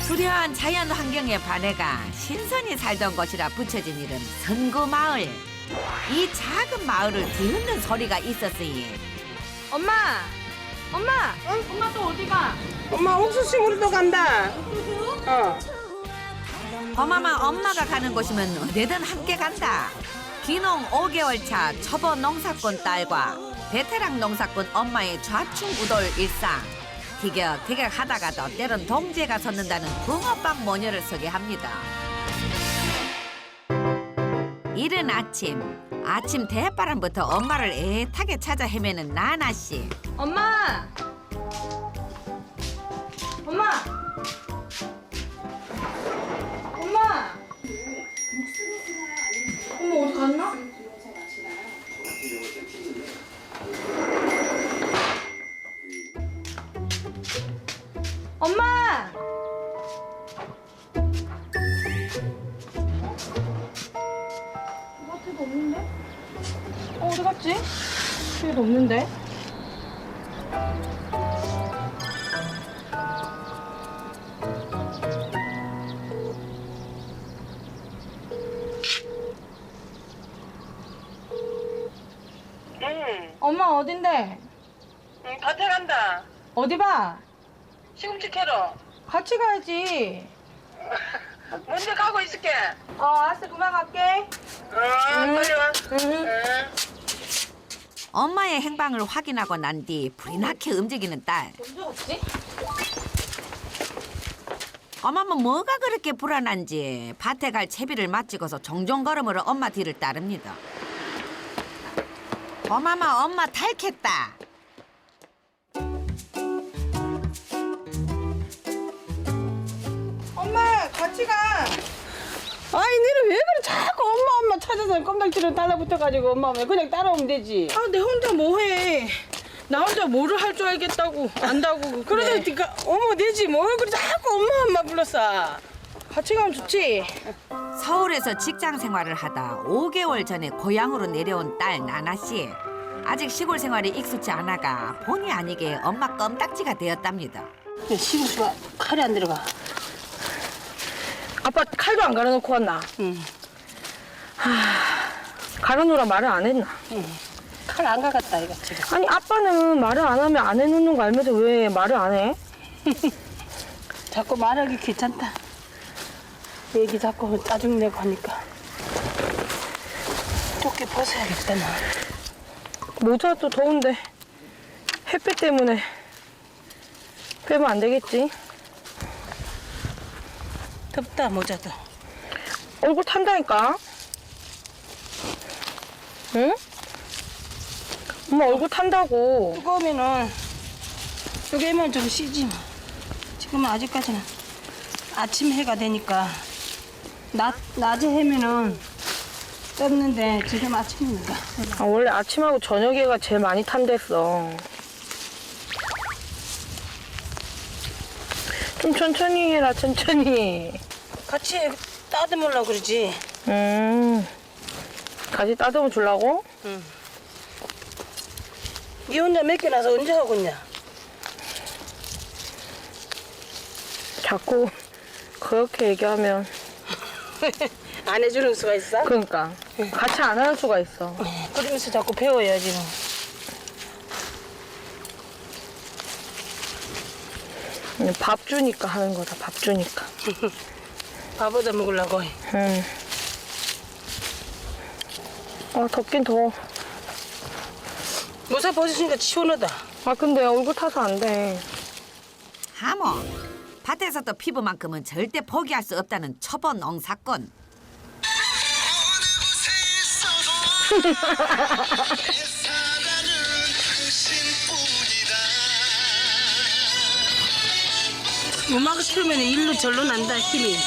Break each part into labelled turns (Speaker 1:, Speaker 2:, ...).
Speaker 1: 수려한 자연 환경에 반해가 신선히 살던 곳이라 붙여진 이름 선구마을. 이 작은 마을을 뒤흔든 소리가 있었으니
Speaker 2: 엄마! 엄마! 엄마 또 어디 가?
Speaker 3: 엄마 옥수수 심으러 간다. 어.
Speaker 1: 범아마 엄마가 가는 곳이면 어디든 함께 간다. 귀농 5개월 차 초보 농사꾼 딸과 베테랑 농사꾼 엄마의 좌충우돌 일상. 티격태격 하다가도 때론 동지가 섰는다는 붕어빵 모녀를 소개합니다. 이른 아침 대바람부터 엄마를 애타게 찾아 헤매는 나나씨.
Speaker 2: 엄마! 엄마! 엄마! 엄마 어디 갔나? 엄마! 마트도 없는데? 어디 갔지? 여기도 없는데?
Speaker 3: 응.
Speaker 2: 엄마 어딘데?
Speaker 3: 응, 밭에 간다.
Speaker 2: 어디 봐?
Speaker 3: 시금치 캐러.
Speaker 2: 같이 가야지.
Speaker 3: 먼저 가고 있을게.
Speaker 2: 알았어, 그만 갈게.
Speaker 3: 빨리 와.
Speaker 2: 응.
Speaker 1: 엄마의 행방을 확인하고 난 뒤 불이 나게 움직이는 딸.
Speaker 2: 언제 갔지?
Speaker 1: 엄마는 뭐가 그렇게 불안한지 밭에 갈 채비를 마치고서 종종 걸음으로 엄마 뒤를 따릅니다. 엄마마 엄마 탈겠다.
Speaker 2: 엄마, 같이 가.
Speaker 3: 아이, 니는 왜 그래? 자꾸 엄마 찾아서 껌딱지를 달라붙어가지고 엄마 왜 그냥 따라오면 되지.
Speaker 2: 아, 내 혼자 뭐해. 나 혼자 뭐를 할 줄 알겠다고, 안다고.
Speaker 3: 그러다 니까 어머 되지 뭘 그래 자꾸 엄마 불렀어.
Speaker 2: 같이 가면 좋지.
Speaker 1: 서울에서 직장 생활을 하다 5개월 전에 고향으로 내려온 딸 나나씨. 아직 시골 생활이 익숙치 않아가 본의 아니게 엄마 껌딱지가 되었답니다.
Speaker 3: 시금치가 칼이 안 들어가.
Speaker 2: 아빠 칼도 안 갈아놓고 왔나?
Speaker 3: 응.
Speaker 2: 갈아놓으라 말을 안 했나?
Speaker 3: 칼 안 가갔다 이거 지금.
Speaker 2: 아니, 아빠는 말을 안 하면 안 해놓는 거 알면서 왜 말을 안 해?
Speaker 3: 자꾸 말하기 귀찮다. 얘기 자꾸 짜증내고 하니까. 조끼 벗어야겠다 나.
Speaker 2: 모자도 더운데 햇빛 때문에 빼면 안 되겠지?
Speaker 3: 덥다 모자도.
Speaker 2: 얼굴 탄다니까? 응? 엄마 얼굴 탄다고.
Speaker 3: 뜨거우면은 여기만 좀 쉬지 뭐. 지금은 아직까지는 아침 해가 되니까 낮에 해면은 떴는데 지금 아침이니까.
Speaker 2: 아, 원래 아침하고 저녁에가 제일 많이 탄댔어. 좀 천천히 해라, 천천히.
Speaker 3: 같이 따듬으려고 그러지.
Speaker 2: 같이 따듬어 주려고?
Speaker 3: 니 혼자 몇 개 나서 언제 하고 있냐?
Speaker 2: 자꾸 그렇게 얘기하면.
Speaker 3: 안 해주는 수가 있어?
Speaker 2: 그러니까. 같이 안 하는 수가 있어.
Speaker 3: 그러면서 자꾸 배워야지 뭐.
Speaker 2: 그냥 밥 주니까 하는 거다, 밥 주니까.
Speaker 3: 밥 얻어 먹으려고 해.
Speaker 2: 응. 아, 덥긴 더워.
Speaker 3: 모자 벗으니까 시원하다.
Speaker 2: 아, 근데 얼굴 타서 안 돼.
Speaker 1: 하모 밭에서도 피부만큼은 절대 포기할 수 없다는 초보 농사꾼.
Speaker 3: 음악을 틀면 일로 절로 난다 힘이.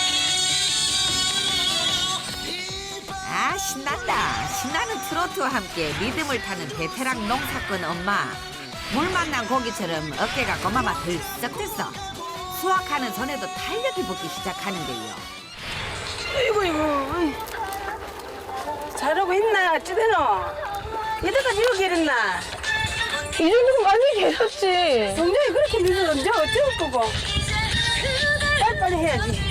Speaker 1: 아 신난다. 신나는 트로트와 함께 리듬을 타는 베테랑 농사꾼 엄마. 물 만난 고기처럼 어깨가 고마마 들썩들썩. 수확하는 손에도 탄력이 붙기 시작하는데요.
Speaker 3: 아이고 잘하고 있나 찌대노. 이때까지 이렇게 이랬나.
Speaker 2: 이 정도면 많이 계셨지.
Speaker 3: 동생이 그렇게 늦어 언제 어쩔 거고. 빨리 해야지.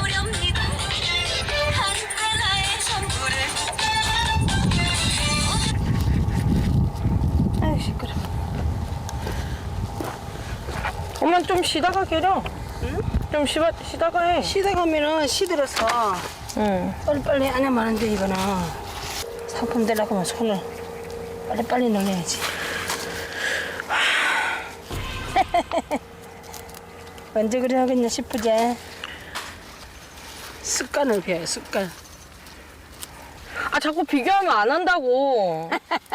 Speaker 3: 아유 시끄러.
Speaker 2: 엄마 좀 쉬다가 계려.
Speaker 3: 응?
Speaker 2: 좀 쉬다가 해.
Speaker 3: 시다 가면은 시들어서
Speaker 2: 응.
Speaker 3: 빨리빨리 안 하면 안 돼. 이거는 상품 되려고 하면 손을 빨리빨리 넣어야지. 언제 그래 하겠냐 싶으지? 습관을 배워요, 습관.
Speaker 2: 아 자꾸 비교하면 안 한다고.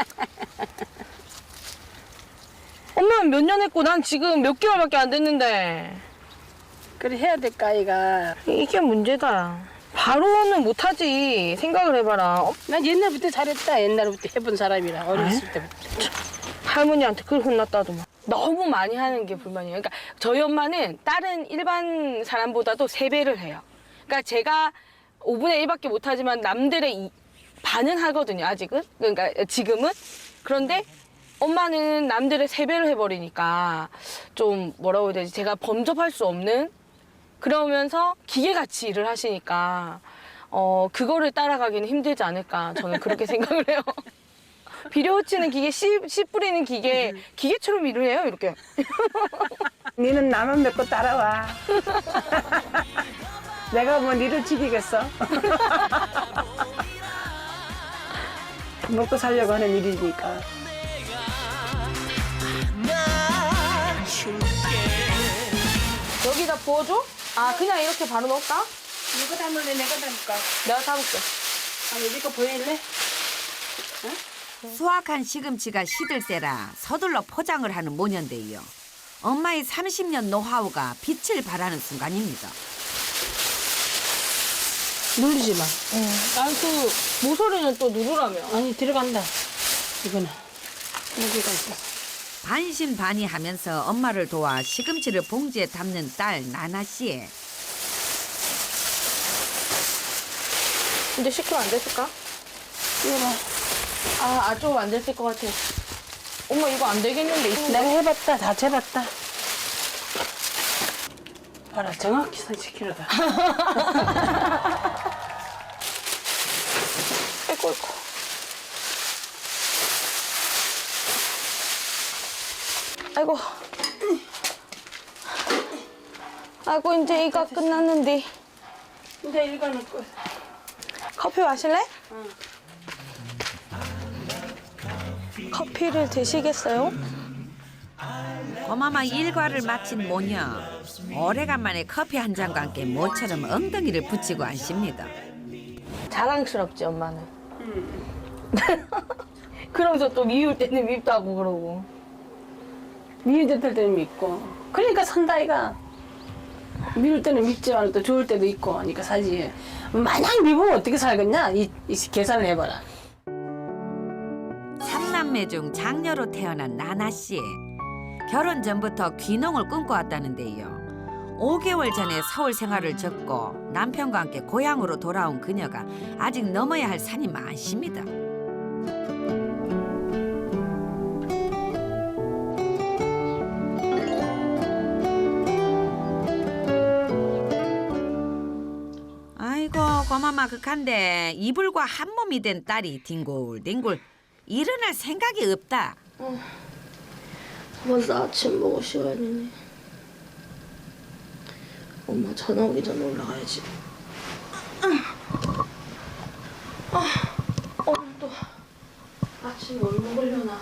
Speaker 2: 엄마는 몇 년 했고 난 지금 몇 개월밖에 안 됐는데.
Speaker 3: 그래 해야 될까, 아이가.
Speaker 2: 이게 문제다. 바로는 못하지. 생각을 해봐라.
Speaker 3: 난 옛날부터 잘했다. 옛날부터 해본 사람이라, 어렸을 때부터.
Speaker 2: 할머니한테 그걸 혼났다더만. 너무 많이 하는 게 불만이에요. 그러니까 저희 엄마는 다른 일반 사람보다도 3배를 해요. 그러니까 제가 5분의 1밖에 못하지만 남들의 반은 하거든요, 아직은. 그러니까 지금은. 그런데 엄마는 남들의 3배를 해버리니까 좀 뭐라고 해야 되지? 제가 범접할 수 없는 그러면서 기계같이 일을 하시니까 그거를 따라가기는 힘들지 않을까 저는 그렇게 생각을 해요. 비료 흩치는 기계, 씨 뿌리는 기계처럼 일을 해요, 이렇게.
Speaker 3: 니는 나만 믿고 따라와. 내가 뭐 니를 지키겠어? 먹고 살려고 하는 일이니까.
Speaker 2: 여기다 부어줘? 아, 그냥 이렇게 바로 넣을까?
Speaker 3: 누가 담을래? 내가 담을까?
Speaker 2: 내가 담을게.
Speaker 3: 아니, 니거 보일래?
Speaker 1: 수확한 시금치가 시들세라 서둘러 포장을 하는 모녀인데요. 엄마의 30년 노하우가 빛을 발하는 순간입니다.
Speaker 3: 누르지 마.
Speaker 2: 응. 난 그 모서리는 또 누르라며.
Speaker 3: 아니, 들어간다. 이거는. 여기가 있어.
Speaker 1: 반신반의하면서 엄마를 도와 시금치를 봉지에 담는 딸 나나 씨.
Speaker 2: 이제 시키면 안 됐을까?
Speaker 3: 이거
Speaker 2: 좀 안 됐을 것 같아. 엄마 이거 안 되겠는데.
Speaker 3: 내가 해봤다. 다 재봤다. 봐라, 정확히 30kg다.
Speaker 2: 아이고. 아이고. 아이고, 이제 이거 끝났는데.
Speaker 3: 이제 이거는 끝.
Speaker 2: 커피 마실래? 커피를 드시겠어요?
Speaker 1: 고마마 일과를 마친 모녀. 오래간만에 커피 한 잔과 함께 모처럼 엉덩이를 붙이고 앉습니다.
Speaker 2: 자랑스럽지, 엄마는. 그러면서 또 미울 때는 밉다고 그러고.
Speaker 3: 미울 때는 믿고. 그러니까 산다, 아이가. 미울 때는 밉지만 또 좋을 때도 있고 하니까 사지. 마냥 미우면 어떻게 살겠냐? 이 계산을 해봐라.
Speaker 1: 3남매 중 장녀로 태어난 나나 씨. 결혼 전부터 귀농을 꿈꿔왔다는데요. 5개월 전에 서울 생활을 접고 남편과 함께 고향으로 돌아온 그녀가 아직 넘어야 할 산이 많습니다. 아이고 고마마 극한데 이불과 한 몸이 된 딸이 뒹굴뒹굴 일어날 생각이 없다.
Speaker 4: 벌써 아침 먹을 시간이네. 엄마 전화 오기 전에 올라가야지. 오늘도 아침 뭘 먹으려나.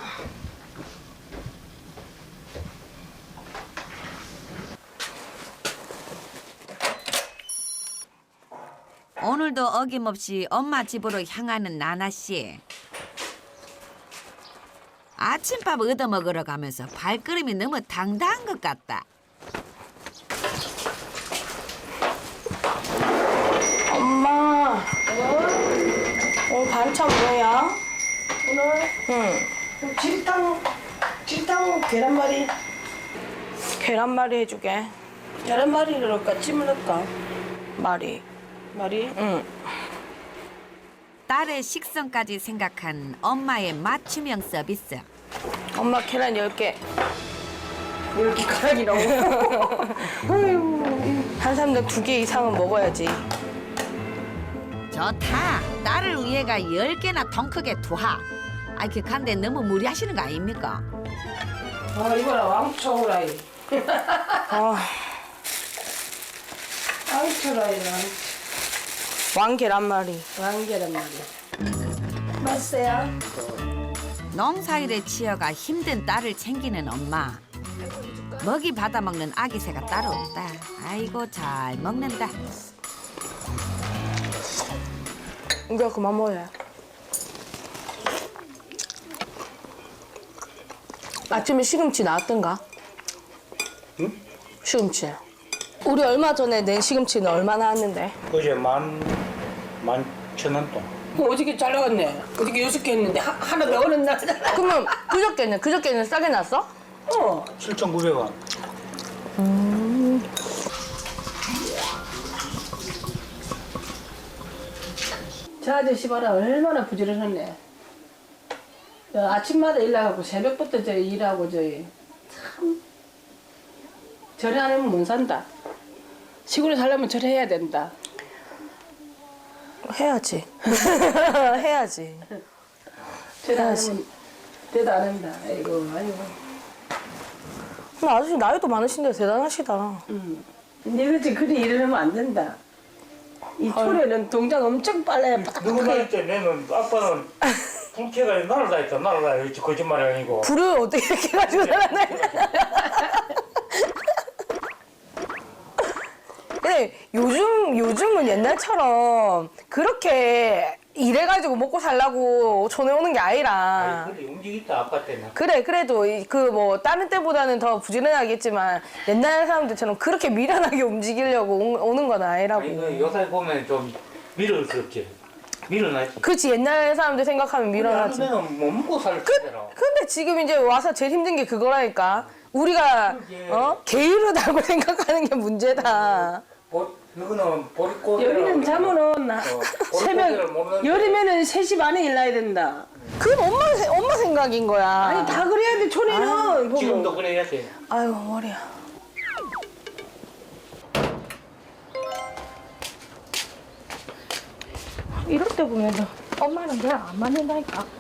Speaker 1: 오늘도 어김없이 엄마 집으로 향하는 나나 씨. 아침밥 얻어먹으러 가면서 발걸음이 너무 당당한 것 같다.
Speaker 2: 엄마. 오늘 반찬 뭐야?
Speaker 3: 오늘
Speaker 2: 응.
Speaker 3: 칠탕 계란말이.
Speaker 2: 계란말이 해주게.
Speaker 3: 계란말이를 넣을까? 찜을 넣을까?
Speaker 2: 말이.
Speaker 3: 말이?
Speaker 2: 응.
Speaker 1: 딸의 식성까지 생각한 엄마의 맞춤형 서비스.
Speaker 2: 엄마 계란 10개.
Speaker 3: 왜 이렇게 가락이 나오고? 아이고.
Speaker 2: 한 사람당 2개 이상은 먹어야지.
Speaker 1: 좋다. 딸을 위해가 10개나 통 크게 투하. 아이 그 간데 너무 무리하시는 거 아닙니까?
Speaker 3: 아 이거라 왕초라이.
Speaker 2: 아,
Speaker 3: 왕초라이랑
Speaker 2: 왕 계란말이.
Speaker 3: 왕계란 말이야. 맛있어요?
Speaker 1: 농사일에 치여가 힘든 딸을 챙기는 엄마. 먹이 받아먹는 아기 새가 따로 없다. 아이고 잘 먹는다.
Speaker 2: 이제 그만 먹어요. 아침에 시금치 나왔던가?
Speaker 5: 응?
Speaker 2: 시금치. 우리 얼마 전에 낸 시금치는 얼마 나왔는데?
Speaker 5: 그제 11,000원 돈.
Speaker 3: 어저께 잘 나갔네. 어저께 6개 했는데 하나 더 오는 날.
Speaker 2: 그러면 그저께는 싸게 났어?
Speaker 5: 7,900원.
Speaker 3: 저 아저씨 봐라 얼마나 부지런하네. 아침마다 일 나가고 새벽부터 저 일하고 저희 참 저래 안 하면 못 산다. 시골에 살려면 저래 해야 된다.
Speaker 2: 해야지. 해야지.
Speaker 3: 저래 안 하면 대도 안 한다. 아이고 아이고.
Speaker 2: 근데 아저씨 나이도 많으신데 대단하시다.
Speaker 3: 근데 그렇지 그리 일을 하면 안 된다. 이 초래는 동작 엄청 빨라야
Speaker 5: 누구
Speaker 3: 빠딱하게.
Speaker 5: 말했지? 내는 아빠는 불쾌가 날아다녔다. 날아다녔지. 거짓말이 아니고.
Speaker 2: 불을 어떻게 이렇게 가지고 살았나? 근데 요즘은 옛날처럼 그렇게 일해가지고 먹고 살라고 전에 오는 게 아니라.
Speaker 5: 아니, 그래 움직였다 아빠 때는.
Speaker 2: 그래, 그래도 그 뭐 다른 때보다는 더 부지런하겠지만 옛날 사람들처럼 그렇게 미련하게 움직이려고 오는 건 아니라고.
Speaker 5: 아니 그 요새 보면 좀 미련스럽지. 미련하지.
Speaker 2: 그렇지, 옛날 사람들 생각하면 미련하지.
Speaker 5: 내는 못 먹고 살 때라.
Speaker 2: 근데 지금 이제 와서 제일 힘든 게 그거라니까. 우리가
Speaker 5: 그게-
Speaker 2: 게으르다고 생각하는 게 문제다.
Speaker 5: 이거는 보릿고개.
Speaker 3: 여기는 자면은 새벽
Speaker 5: 먹는
Speaker 3: 여름에는 3시 반에 일나야 된다.
Speaker 2: 그건 엄마 생각인 거야.
Speaker 3: 아니 다 그래야 돼 초래는. 보고.
Speaker 5: 지금도 그래야 돼.
Speaker 2: 아유, 머리야. 이럴 때 보면 엄마는 내가 안 맞는다니까.